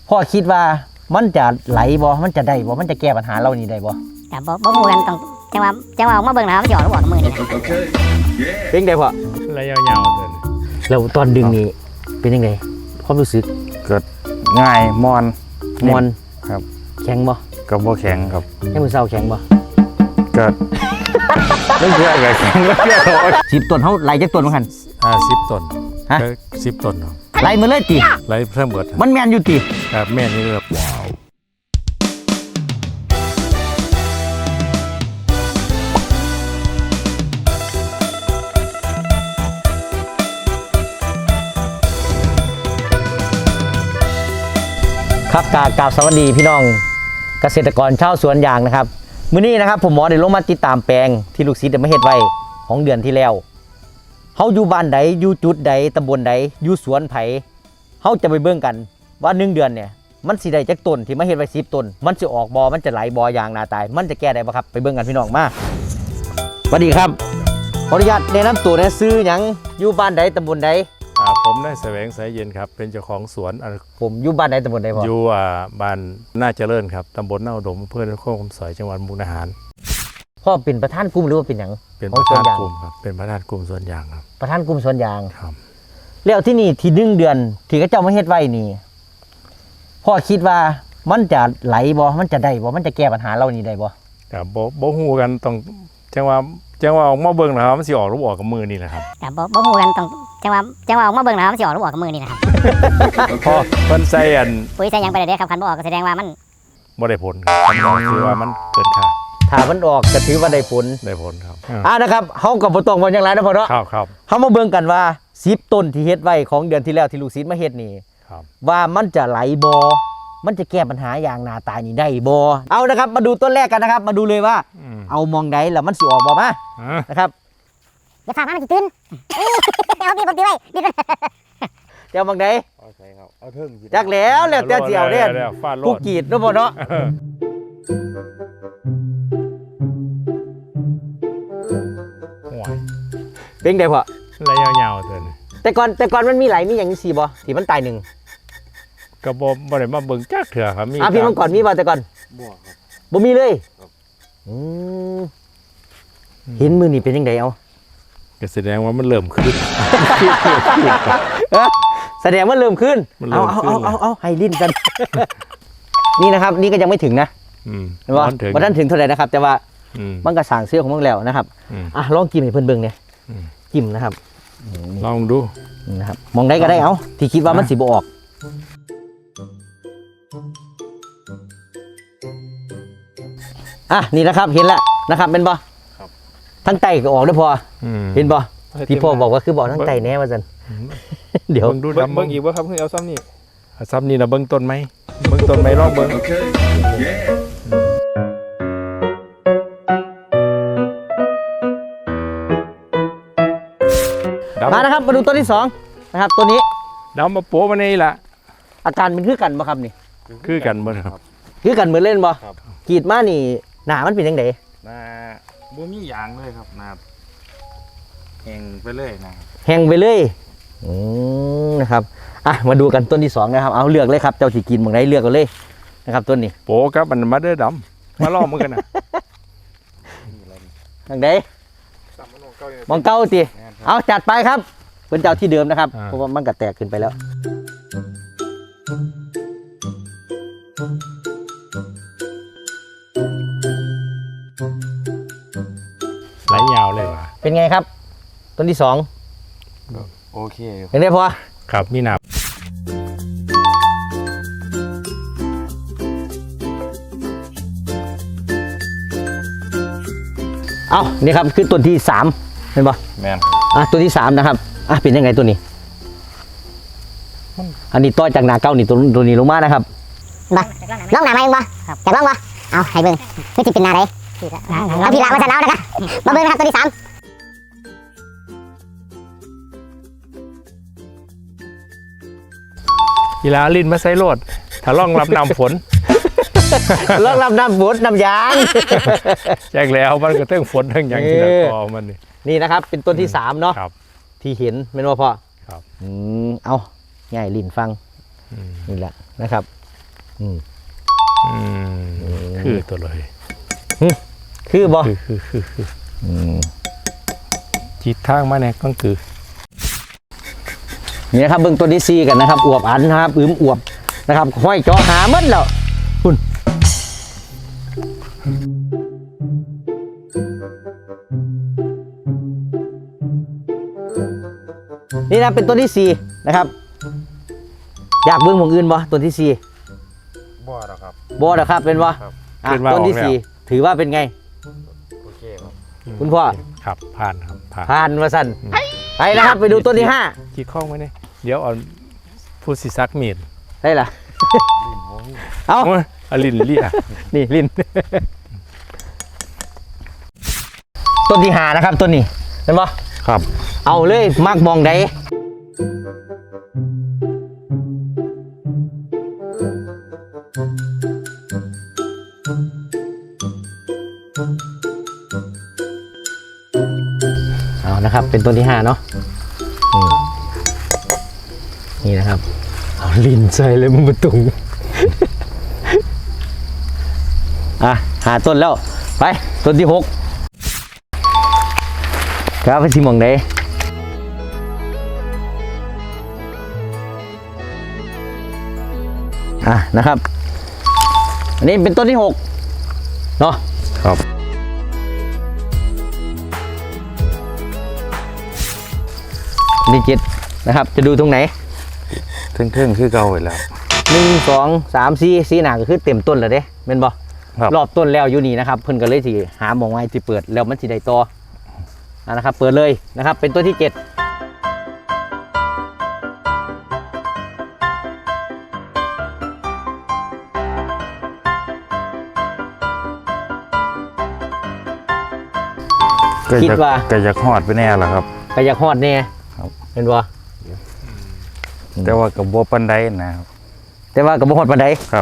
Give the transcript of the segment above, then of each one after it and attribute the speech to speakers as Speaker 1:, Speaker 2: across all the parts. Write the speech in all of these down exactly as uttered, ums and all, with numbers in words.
Speaker 1: พ่อคิดว่ามันจะไหลบ่มันจะได้บ่มันจะแก้ปัญหาเรานี่ได้บ่
Speaker 2: แต่บ่บ่ฮู้กันต้องจังว่าจังว่าออกมาเบิ่งนะครับมันสิออกหรือบ่ออกกับมือนี่
Speaker 1: เป็นไงพ่อ
Speaker 3: ระยะยาวเลย
Speaker 1: แล้วตอนดึงนี่เป็นยังไงความรู้สึก
Speaker 3: เกิดง่ายมอน
Speaker 1: มอน
Speaker 3: ครับ
Speaker 1: แข็งบ่
Speaker 3: กับบ่แข็งครับ
Speaker 1: ให้มือเศร้าแข็งบ่
Speaker 3: เกิดไม่เชื่อกับแข็งไม่เชื่อเลย
Speaker 1: สิบต้นเฮาไหลจักต้นบ่คั่น
Speaker 3: อ่าสิบต้น
Speaker 1: ฮะ
Speaker 3: สิบต้น
Speaker 1: ไหลมาเลยติ
Speaker 3: ไหลเพิ่มเบิด
Speaker 1: มันแม่นอยู่ติ
Speaker 3: ครับแม่นนี่ครับว้าว
Speaker 1: ครับกราบสวัสดีพี่น้องเกษตรกรชาวสวนยางนะครับมื้อนี้นะครับผมหมอได้ลงมาติดตามแปลงที่ลูกศิษย์ได้มาเฮ็ดไว้ของเดือนที่แล้วเฮาอยู่บ้านใดอยู่จุดใดตำบลใดอยู่สวนไผเฮาจะไปเบิ่งกันว่าหนึ่งเดือนเนี่ยมันสิได้จักต้นที่มาเฮ็ดไว้สิบต้นมันสิออกบ่มันจะไหลบ่อย่างนาตายมันจะแก้ได้บ่ครับไปเบิ่งกันพี่น้องมาสวัสดีครับขออนุญาตแนะนำตัวนะซื้อหยังอยู่บ้านใดตำบลใด
Speaker 3: อ่าผมได้แสวงสายเย็นครับเป็นเจ้าของสวน
Speaker 1: ผมอยู่บ้านใดตำบลใดพ่อ
Speaker 3: อยู่อ่าบ้านน่าเจริญครับตำบลน่าอุดมอำเภอนครคำสอยจังหวัดมุกดาหาร
Speaker 1: พ่อเป็นประธานกลุ่มหรือว่าเป็นหยัง
Speaker 3: เป็นประธานกลุ่มครับเป็นประธานกลุ่มสวนยางครับ
Speaker 1: ประธานกลุ่มสวนยาง
Speaker 3: ครับ
Speaker 1: แล้วที่นี่ที่หนึ่งเดือนที่เขาเจ้ามาเฮ็ดไว้นี่พ่อคิดว่ามันจะไหลบ่มันจะได้บ่มันจะแก้ปัญหาเรานี่ได้บ่
Speaker 3: ครับบ่บ่ฮู้กันต้องจังว่าจังว่าออกมาเบิ่งนะครับมันสิออกหรือบ่ออกกับมือนี่แหละครับ
Speaker 2: แต่บ่บ่ฮู้กันต้องจังว่าจังว่าออกมาเบิ่งนะครับมันสิออกหรือบ่ออกกับมือนี่นะครับ
Speaker 3: พอเพิ่นใส่อัน
Speaker 2: ปุ๋ยใส่หยังไปได้เด้ครับคันบ่ออกก็แสดงว่ามัน
Speaker 3: บ่ได้ผลครับมันคือว่ามันเกินค่า
Speaker 1: ถ้ามันออกก็ถือว่าได้ผล
Speaker 3: ได้ผลครับ
Speaker 1: อ่านะครับเฮาก็บ่ต้องว่าจังได๋นะพ่อเนาะ
Speaker 3: ครับครับ
Speaker 1: เฮามาเบิ่งกันว่าสิบต้นที่เฮ็ดไว้ของเดือนที่แล้วที่ลูกศิษย์มาเฮ็ดนี่
Speaker 3: ครับ
Speaker 1: ว่ามันจะไหลบ่มันจะแก้ปัญหาอย่างหน้าตายนี่ได้บ่เอานะครับมาดูต้นแรกกันนะครับมาดูเลยว่าเอามองใดแล้วมันสิออกบ่มานะครับ
Speaker 2: อย่าถามมันสิตื่นเอาพี่ผมตีไว้ดิ
Speaker 1: เจ้ามองใด
Speaker 3: เอาใช่ครับเอาเทิง
Speaker 1: จักแล้วแล้วแต่สิเอาเด้ผู้กรีดเนาะพ่อเนาะเป็นไงพ่อ
Speaker 3: ระยะยาวเถิน
Speaker 1: แต่ก่อนแต่ก่อนมันมีไหลมีอย่างนี้สิบ่ที่มันตายหนึ่ง
Speaker 3: กระบอกบ่ได้มาเบิ่งจักเถื่อครับมี
Speaker 1: อ่ะพี่มันก่อนมีบ่แต่ก่อน
Speaker 3: บ่ครับ
Speaker 1: บ่มีเลยอืมเห็นมือนี่เป็นยังไงเอา
Speaker 3: ก็แสดงว่ามันเริ่มขึ้น
Speaker 1: แสดงว่าเริ่มขึ้นเอาเอาเอาเอาเอาให้ลิ้นกันนี่นะครับนี่ก็ยังไม่ถึงนะว่าวันนั้นถึงเท่าไหร่นะครับแต่ว่ามันก็สั่งเสื้อของมึงแล้วนะครับอ่ะลองกินให้เพื่อนเบิ่งเนี่ยกินนะครับ
Speaker 3: ลองดู
Speaker 1: นะครับมองได้ก็ได้เอาที่คิดว่ามันสิบ่ออกอ่ะนี่นะครับเห็นแล้วนะครับเป็นบ่ทั้งไตก็ออกด้วยพอเห็นบ่ที่พ่อบอกว่าคือบอกทั้งไตแน่ว่าจันเดี๋ยว
Speaker 3: ดูดำเบิ่งอีกว่าครับคือเอาซ้ำนี่เอาซ้ำนี่นะเบิ่งต้นไหมเบิ่งต้นไหมลองเบิ่ง
Speaker 1: มานะครับมาดูต้นที่สองนะครับตัวนี้
Speaker 3: ดำมาโป๊ะมานี่แหละ
Speaker 1: อาการเป็นคือกันบ่ครับนี่
Speaker 3: คือกันเหมือนครับ
Speaker 1: คือกันเหมือนเล่นบ่กรีดมานี่หนามันเป็นยังไง
Speaker 3: หนาบ่มียางเลยครับหนาแห้งไปเลยนะ
Speaker 1: แห้งไปเลยอืมนะครับอ่ะมาดูกันต้นที่สองนะครับเอาเลือกเลยครับเจ้าที่กินบางไรเลือกกันเลยนะครับต้นนี้
Speaker 3: โป๊ะครับมันมาเด้อดำมาล่อมือกันนะ
Speaker 1: ทางใดมองเก้าตีเอาจัดไปครับเป็นเจ้าที่เดิมนะครับเพราะว่ามันก็แตกขึ้นไปแล้ว
Speaker 3: ไหลยาวเลยว่ะ
Speaker 1: เป็นไงครับต้นที่สอง
Speaker 3: โอเค
Speaker 1: เห็นได้พอ
Speaker 3: ครับมีหนา
Speaker 1: เอานี่ครับคือต้นที่สามเห็นป่ะ
Speaker 3: แม่น
Speaker 1: อ่ะต้นที่สามนะครับอ่ะเป็นยังไงตัวนี้อันนี้ต้อยจากนาเก้านี่ตัวตัวนี้ลงมานะครับ
Speaker 2: บ่น้องหนามาเองบ่จากน้องบ่เอาให้เบิ่งนี่จะเป็นหนาไหนเอาพี่ละมาจะเอานะครับมาเบิ่งนะครับตัวที่สาม
Speaker 3: กีฬาลิ้นมาใส่โลดถ้าล่องรับน้ำฝน
Speaker 1: ล่องรับน้ำฝนน้ำยาง
Speaker 3: แจ้งแล้วมันก็ต้องฝนทั้งอย่างที่ละกอมันนี่
Speaker 1: นี่นะครับเป็นต้นที่สามเนาะที่เห็นเป็นว่าพ่อ
Speaker 3: ครับ
Speaker 1: อืมเอาง่ายลิ้นฟังนี่แหละนะครับอืม
Speaker 3: อืมคือตัวเลย
Speaker 1: คือบ่
Speaker 3: คือคือคือคือ
Speaker 1: อืม
Speaker 3: จิตทางมาเนี่ยก็คือ
Speaker 1: นี่นะครับเบื้องต้นที่ซีกันนะครับอวบอันนะครับอึมอวบนะครับห้อยจอหามันแล้วคุณนี่นะเป็นต้นที่สี่นะครับอยากเบื้องหมองอื่นบ่ต้นที่สี่
Speaker 3: บ่หรอครับ
Speaker 1: บ่หรอครับเป็นบ่
Speaker 3: ครับ
Speaker 1: อ่ะ
Speaker 3: ขึ้นมา
Speaker 1: ต้นที่
Speaker 3: ออกแล้ว
Speaker 1: สี่ถือว่าเป็นไง
Speaker 3: โอเคครับ
Speaker 1: คุณพ่อ
Speaker 3: ครับผ่านครับผ่าน
Speaker 1: ผ่านมาสั่นไปนะครับไปดูต้นที่ห้า
Speaker 3: จีข้องไว้เนี่ยเดี๋ยวเอาผู้สิซักมีด
Speaker 1: ได้ล่ะ เอา
Speaker 3: โอ้ยอลินเลีย
Speaker 1: นี่ลิ้น ต้นที่หานะครับต้นนี้เห็นปะ
Speaker 3: ครับ
Speaker 1: เอาเลยมากมองใดเอานะครับเป็นต้นที่ห้าเนาะอืมนี่นะครับเอาลิ้นใส่เลยมึงประตู อ่ะหาต้นแล้วไปต้นที่หกครับไปชิมมองไหนอ่ะนะครับอันนี้เป็นต้นที่หกเนาะ
Speaker 3: ครับ
Speaker 1: ต้นที่เจ็ดนะครับจะดูตรงไหน
Speaker 3: เท่งๆคือเก่าไปแล้ว
Speaker 1: หนึ่งสองสามสี่สี่หนาก็คือเต็มต้นแล้วเด้เป็นบ่
Speaker 3: ครับ
Speaker 1: รอบต้นแล้วอยู่นี่นะครับเพิ่นก็เลยสิหาหมองไว้ที่เปิดแล้วมันสิได้ต่ออ่ะนะครับเปิดเลยนะครับเป็นต้นที่เจ็ด คิดว่า
Speaker 4: ก็จะฮอดไปแน่ละครับ
Speaker 1: ก็อยากฮอดแน่
Speaker 4: ครับ
Speaker 1: เป็นบ่
Speaker 4: แต่ว่ากับบ่ปานใดนะครับ
Speaker 1: แต่ว่าก็บ่ฮอดปานใด
Speaker 4: ครับ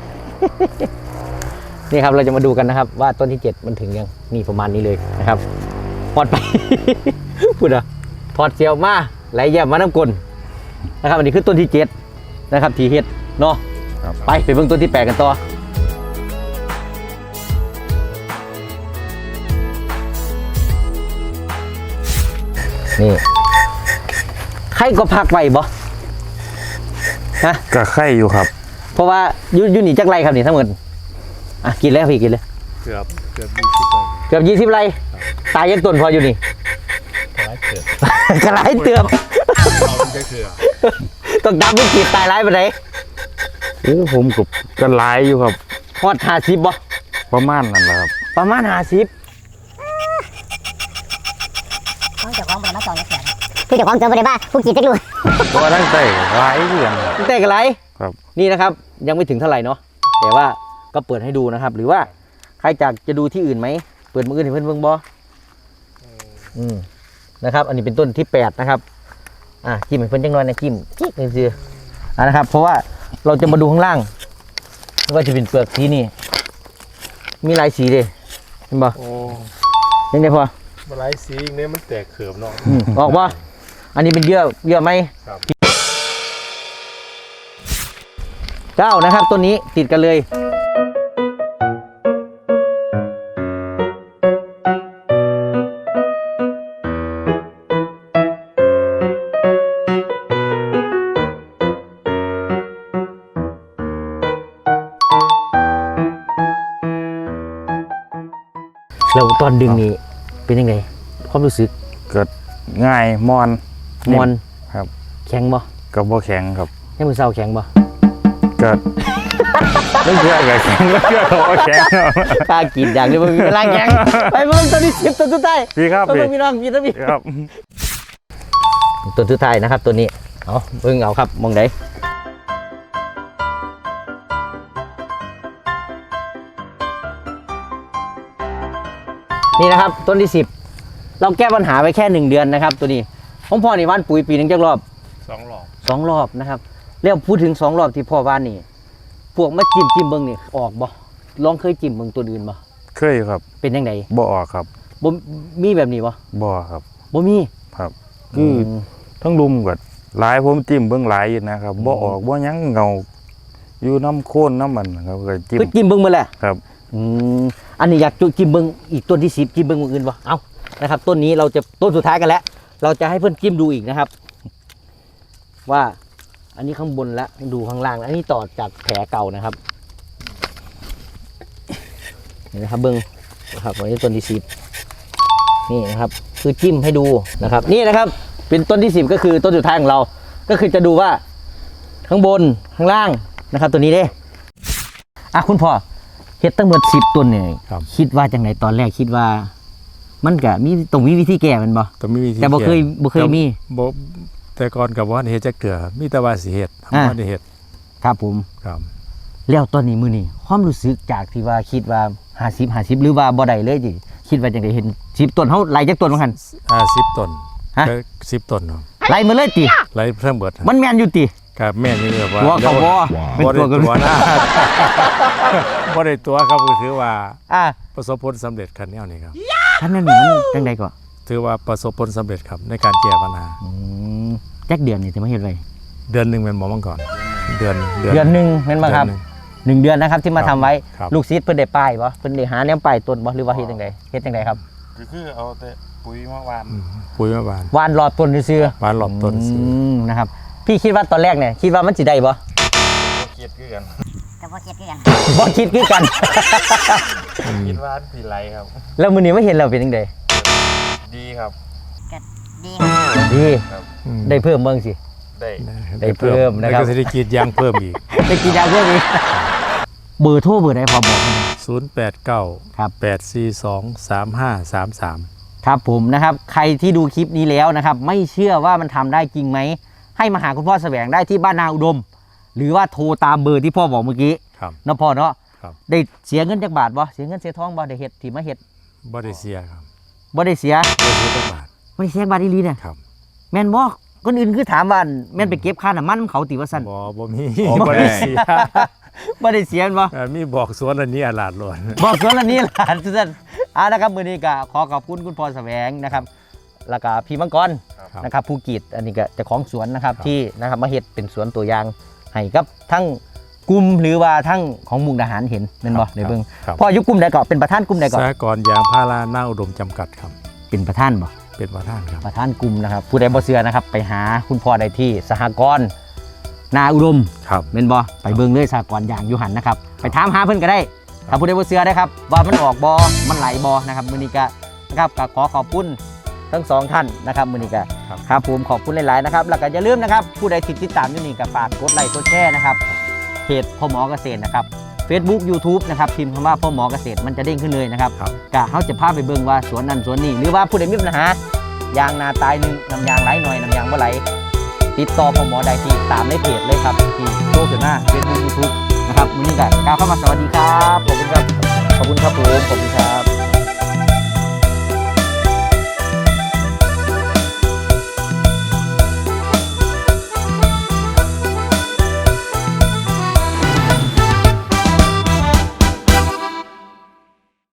Speaker 1: นี่ครับเราจะมาดูกันนะครับ ว่าต้นที่เจ็ดมันถึงยังนี่ประมาณนี้เลยนะครับฮอดไป พูดอ่ะถอดเสียวมาไหลแย้มมาน้ำกลนนะครับอันนี้คือต้นที่เจ็ดนะครับที่เฮ็ดเนาะ
Speaker 4: ครับ
Speaker 1: ไปไปเบิ่งต้นที่แปดกันต่อนี่ใครก็พักไว้บ่ฮะ
Speaker 4: ก็ไข่อยู่ครับ
Speaker 1: เพราะว่าอยู่อยู่นี่จักไรครับนี่ทั้งหมดอ่ะกินแล้วพี่กินเลย
Speaker 3: เกือบเกือบยี่สิบเลย
Speaker 1: เกือบยี่สิบไรตายยังต้นพออยู่นี่
Speaker 3: ร้ายเกือบ
Speaker 1: กระไรเตือบ
Speaker 3: เอามันจะเกือบ
Speaker 1: ต้องดำไม่กีดตายไรไปไหน
Speaker 4: โอ้ผมกับก็หลายอยู่ครับ
Speaker 1: ฮอดห้าสิบบ่
Speaker 4: ประมาณนั้นแหละครับ
Speaker 1: ประมาณห้าสิบ
Speaker 2: ต้องเจ้าของบ่ได้มาจองจักเทื่อผู้เจ้าของเจอบ่ได้บ้าผู้กินจักรู้
Speaker 4: เพราะว่าตั้งแต่หลายเดือนครับ
Speaker 1: แต่กระไร
Speaker 4: ครับ
Speaker 1: นี่นะครับยังไม่ถึงเท่าไหร่เนาะแต่ว่าก็เปิดให้ดูนะครับ หรือว่าใครอยากจะดูที่อื่นไหมเปิดมืออื่นให้เพื่อนเบิ่งบ่อืมนะครับ อันนี้เป็นต้นที่แปดนะครับอ่ะจิ้มให้เพื่อนจังหน่อยนะจิ้มจิ๊กนี่คืออ่ะนะครับ เพราะว่าเราจะมาดูข้างล่างก็จะเป็นเปลือกสีนี่มีหลายสีเลยเห็นบ่
Speaker 3: โอ้
Speaker 1: ยังไงพอ
Speaker 3: มาไล่สีอีกเนี่ยมันแตกเขือบเนาะ
Speaker 1: อืมออกบ่อันนี้เป็นเยื่อเยื่อไหม
Speaker 3: ครับ
Speaker 1: เก้านะครับต้นนี้ติดกันเลยแล้วตอนดึงนี่เป็นยังไงความรู้สึก
Speaker 4: เกิดง่ายมอน
Speaker 1: มอน
Speaker 4: ครับ
Speaker 1: แข็งบ่
Speaker 4: กับบ่แข็งครับ
Speaker 1: ให้มือเศร้าแข็งบ่
Speaker 4: ก็ ไม่เชื่อกับแข็งไม่เชื่อกับบ่แข็งครับ
Speaker 1: กล้ากินอย่างเดียวมันมีเวลาแข็งไปเบิ่งต้นที่สิบต้นสุดท้าย
Speaker 4: พี่ครับ
Speaker 1: ไป
Speaker 4: พี่
Speaker 1: เบิ่งพี่น้องพี่นะพี่
Speaker 4: ครับ
Speaker 1: ต้นสุดท้ายนะครับตัวนี้เอาเบิ่งเอาครับมองไหนนี่นะครับต้นที่สิบเราแก้ปัญหาไปแค่หนึ่งเดือนนะครับ ตัวนี้ของพ่อนี่ว่านปุ๋ยปีหนึงจักรอบ
Speaker 3: สองหลอก
Speaker 1: สองรอบนะครับแล้วพูดถึงสองรอบที่พ่อว่านนี่พวกมาจิ้มจิ้มเบิ่งนี่ออกบ่ลองเคยจิ้มเบิ่งตัวอื่นบ่
Speaker 4: เคยครับ
Speaker 1: เป็นยังไง
Speaker 4: บ่ออกครับ
Speaker 1: บ่มีแบบนี้บ่
Speaker 4: บ่ครับ
Speaker 1: บ่มี
Speaker 4: ครับ คือทั้งลุมกับหลายผมจิ้มเบิ่งหลายอยู่นะครับบ่ออกบ่หยังเงาอยู่น้ำโค่นน้ำมันครับก็จิ้ม
Speaker 1: คือจิ้มเบิ่งมาแหละ
Speaker 4: ครับ
Speaker 1: อืมอันนี้อยากจุจิ้มเบิ่งอีกต้นที่สิบจิ้มเบิ่งมืออื่นบ่เอานะครับต้นนี้เราจะต้นสุดท้ายกันแล้วเราจะให้เพื่อนจิ้มดูอีกนะครับ ว่าอันนี้ข้างบนแล้วดูข้างล่างแล้วอันนี้ต่อจากแผลเก่านะครับนี่นะครับเบิ้งนะครับอันนี้ต้นที่สิบนี่นะครับ คือจิ้มให้ดูนะครับ นี่นะครับ เป็นต้นที่สิบก็คือต้นสุดท้ายของเรา ก็คือจะดูว่าข้างบนข้างล่างนะครับ ตัวนี้เด้อ่ะคุณพ่อเฮ็ดตั้งหมดสิบต้นเนี่ย
Speaker 3: ครับ
Speaker 1: คิดว่าจังไหนตอนแรกคิดว่า มันก็มีตรงมีวิธีแก้มันบ่
Speaker 3: แต่ไม่มีที่
Speaker 1: แต่บ่เคยบ่เคยมี
Speaker 3: บ่แต่ก่อนกับว่าเฮ็ดจักเถื่อมีแต่ว่าสิเฮ็ด
Speaker 1: อ่า
Speaker 3: บ่ได้เฮ็ด
Speaker 1: ครับผม
Speaker 3: ครับ
Speaker 1: แล้วตอนนี้มือนี้ความรู้สึกจากที่ว่าคิดว่าห้าสิบ ห้าสิบหรือว่าบ่ได้เลยจิคิดว่าจังได๋เห็นสิบต้นเฮาไล่จักต้นว่าหั่น
Speaker 3: อ่าสิบต้น
Speaker 1: ฮะ
Speaker 3: ก็สิบต้นครับ
Speaker 1: ไล่มาเลยติ
Speaker 3: ไล่เพิ่มเบิด
Speaker 1: มันแม่นอยู่ติ
Speaker 3: ครับแม่นี่แบบว่า
Speaker 1: ตัวเขาบ่เป็น
Speaker 3: บ่
Speaker 1: ตัว
Speaker 3: ได้
Speaker 1: กัน
Speaker 3: ตัวนะบ่ได้ตัวครับก็ถือว่า
Speaker 1: อ่ะ
Speaker 3: ประสบผลสำเร็จคันแนวนี้ครับ
Speaker 1: ท่านนั้นนี่มันจังได๋ก็
Speaker 3: ถือว่าประสบผลสำเร็จครับในการแก้ปัญหา
Speaker 1: อืมจักเดือนนี่สิมาเฮ็ดไว้
Speaker 3: เดือนหนึงแม่นบ่มาก่อน เดือน
Speaker 1: เดือนหนึงแม่นบ่ครับ
Speaker 3: เดือนหนึ่ง
Speaker 1: หนึ่งเดือนนะครับที่มา
Speaker 3: ครั
Speaker 1: ทำ
Speaker 3: บ
Speaker 1: ไว้
Speaker 3: ครับ
Speaker 1: ลูกศิษย์เพิ่นได้ป้ายบ่เพิ่นได้หาแนวป้ายต้นบ่หรือว่าเฮ็ดจังไดเฮ็ดจังไดครับ
Speaker 4: ก็คือเอาแต่ปุ๋ยมาวาน
Speaker 3: อืมปุ๋ยมาบาน
Speaker 1: หวานรอบต้นซื่อ
Speaker 3: บานรอบ
Speaker 1: ๆ
Speaker 3: ต้นซื้อ
Speaker 1: อืมนะครับ พี่คิดว่าตอนแรกเนี่ยคิดว่ามันสิได้บ่
Speaker 4: เกียดคือกัน
Speaker 2: ก็บ่คิดคือกัน
Speaker 1: บ่คิดคือกัน
Speaker 4: คิดว่าสีไรครับ
Speaker 1: แล้วมื้อนี้มาเห็นแล้วเป็นจังได
Speaker 4: ดีครับ
Speaker 2: ดีครับ
Speaker 1: ดี
Speaker 3: อืม
Speaker 1: ได้เพิ่มเบิ่งสิ
Speaker 4: ได้
Speaker 1: ได้เพิ่มนะครับ
Speaker 3: แล้วก็สิได้กรีดยางเพิ่มอีก
Speaker 1: ได้กินยาเพิ่มอีกเบอร์โทรเบอร์ใดพอบอกมาหน่อย
Speaker 3: ศูนย์แปดเก้า
Speaker 1: ครับ
Speaker 3: แปดสี่สอง สามห้าสามสาม
Speaker 1: ครับผมนะครับ ใครที่ดูคลิปนี้แล้วนะครับ ไม่เชื่อว่ามันทำได้จริงไหม ให้มาหาคุณพ่อแสวงได้ที่บ้านนาอุดม หรือว่าโทรตามเบอร์ที่พ่อบอกเมื่อกี้
Speaker 3: ครับ
Speaker 1: เนาะพ่อเนาะ
Speaker 3: ครับ
Speaker 1: ได้เสียเงินจากบาทบ่เสียเงินเสียทองบ่ได้เฮ็ดที่มาเฮ็ด
Speaker 3: บ่ได้เสียครับ
Speaker 1: บ่ได้เสีย
Speaker 3: บ่ได้เสียตั้งบาท
Speaker 1: บ่ได้เสียบาทอีหลีเนี่ย
Speaker 3: ครับ
Speaker 1: แม่นบ่คนอื่นคือถามว่าแม่นไปเก็บค่าน้ำมันของเขาติว่าซั่น
Speaker 3: บ่บ่มี
Speaker 4: อ๋อ
Speaker 3: บ่ได้เสีย
Speaker 1: บ่ได้เสียบ่
Speaker 3: เอ่อมีบอกสวนอันนี้อาลาดล้วน
Speaker 1: บอกสวนละนี้หลานทุกท่านอ่านะครับมื้อนี้ก็ขอขอบคุณคุณพรแสวงนะครับแล้วก็พี่มังกร
Speaker 3: ครับ
Speaker 1: นะครับผู้กีดอันนี้ก็เจ้าของสวนนะครับ
Speaker 3: ครับ
Speaker 1: ที่นะครับมาเฮ็ดเป็นสวนตัวอย่างให้กับทั้งกลุ่มหรือว่าทั้งของมุกดาหารเห็นแม่นบ่ในเบิ่ง
Speaker 3: ครับ
Speaker 1: พ่ออยู่กลุ่มใดก็เป็นประธานกลุ่มใดก็
Speaker 3: สหกรณ์ยางพาราหน้าอุดมจำกัดครับ
Speaker 1: เป็นประธานบ่
Speaker 3: เป็นประธานครับ
Speaker 1: ประธานกลุ่มนะครับผู้ใดบ่เชื่อนะครับไปหาคุณพ่อได้ที่สหกรณ์นาอุดม
Speaker 3: ครับ
Speaker 1: แม่นบ่ไปเบิ่งเลยสหกรณ์อย่างอยู่หันนะครับไปถามหาเพิ่นก็ได้ถ้าผู้ใดบ่เชื่อได้ครับว่ามันออกบ่มันไหลบ่นะครับมื้อนี้ก็นะครับก็ขอขอบคุณทั้งสองท่านนะครับมื้อนี้ก็
Speaker 3: ครับ
Speaker 1: ครับผมขอบคุณหลายๆนะครับแล้วก็อย่าลืมนะครับผู้ใดที่ติดตามอยู่นี่ก็ฝากกดไลค์กดแชร์นะครับเพจพ่อหมอเกษตรนะครับ Facebook YouTube นะครับพิมพ์คำว่าพ่อหมอเกษตรมันจะเด้งขึ้นเลยนะครับ
Speaker 3: ครับ
Speaker 1: ก็เขาจะพาไปเบิ่งว่าสวนนั้นสวนนี้หรือว่าผู้ใดมีปัญหายางนาตายหนึ่งน้ำยางไหลหน่อยน้ำยางบ่ไหลติดต่อพ่อหมอได้ที่ตามในเพจเลยครับที่โชว์ขึ้นหน้า Facebook YouTube นะครับวันนี้ก็กล่าวเข้ามาสวัสดีครับขอบคุณครับขอบคุณครับผมขอบคุณครับ